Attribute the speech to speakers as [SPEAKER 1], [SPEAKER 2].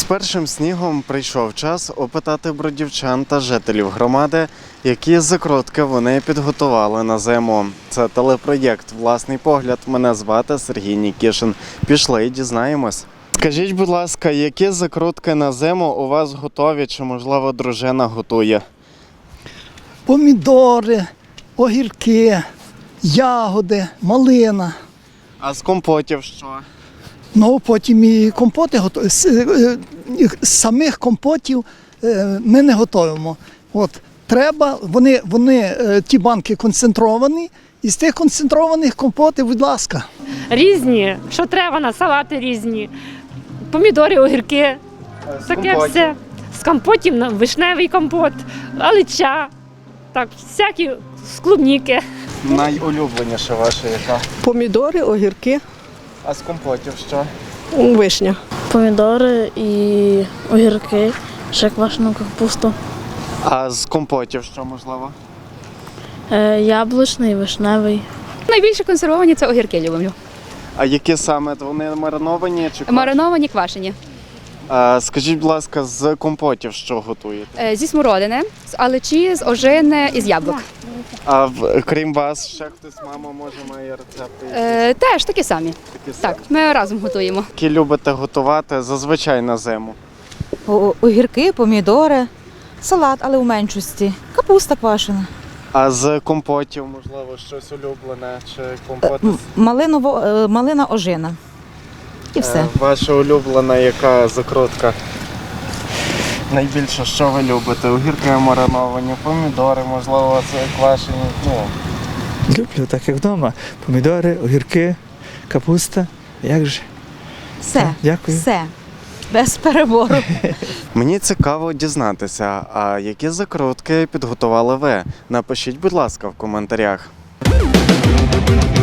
[SPEAKER 1] першим снігом прийшов час опитати бродівчан та жителів громади, які закрутки вони підготували на зиму. Це телепроєкт «Власний погляд». Мене звати Сергій Нікішин. Пішли і дізнаємось. Скажіть, будь ласка, які закрутки на зиму у вас готові, чи, можливо, дружина готує?
[SPEAKER 2] Помідори, огірки, ягоди, малина.
[SPEAKER 1] А з компотів що?
[SPEAKER 2] Ну, потім і компоти готуємо. З самих компотів ми не готуємо. От, треба, вони ті банки концентровані, і з тих концентрованих компотів, будь ласка.
[SPEAKER 3] Різні, що треба на салати різні, помідори, огірки, таке все. З компотів на вишневий компот, алича, так, всякі з клубніки.
[SPEAKER 1] Найулюбленіше ваше яка?
[SPEAKER 4] Помідори, огірки,
[SPEAKER 1] А з компотів що?
[SPEAKER 4] вишня.
[SPEAKER 5] Помідори і огірки, ще квашену капусту.
[SPEAKER 1] А з компотів що, можливо?
[SPEAKER 5] Яблучний, вишневий.
[SPEAKER 6] Найбільше консервовані – це огірки люблю.
[SPEAKER 1] А які саме? Вони мариновані чи квашені?
[SPEAKER 6] Мариновані, квашені.
[SPEAKER 1] А скажіть, будь ласка, з компотів що готуєте?
[SPEAKER 6] Зі смородини, з аличі, з ожини і з яблук.
[SPEAKER 1] А крім вас, ще хтось, мама, може, має рецепти?
[SPEAKER 6] Теж такі самі.
[SPEAKER 1] Такі самі?
[SPEAKER 6] Так, ми разом готуємо.
[SPEAKER 1] Які любите готувати зазвичай на зиму?
[SPEAKER 7] Огірки, помідори, салат, але у меншості, капуста квашена,
[SPEAKER 1] А з компотів, можливо, щось улюблене чи компоти?
[SPEAKER 7] малина ожина. І все.
[SPEAKER 1] Ваша улюблена яка закрутка? Найбільше, що ви любите? Огірки мариновані, помідори, можливо, це квашені.
[SPEAKER 8] Люблю, так як вдома. Помідори, огірки, капуста. Як же?
[SPEAKER 7] Все,
[SPEAKER 8] Дякую.
[SPEAKER 7] все, без перебору.
[SPEAKER 1] Мені цікаво дізнатися, а які закрутки підготували ви? Напишіть, будь ласка, в коментарях.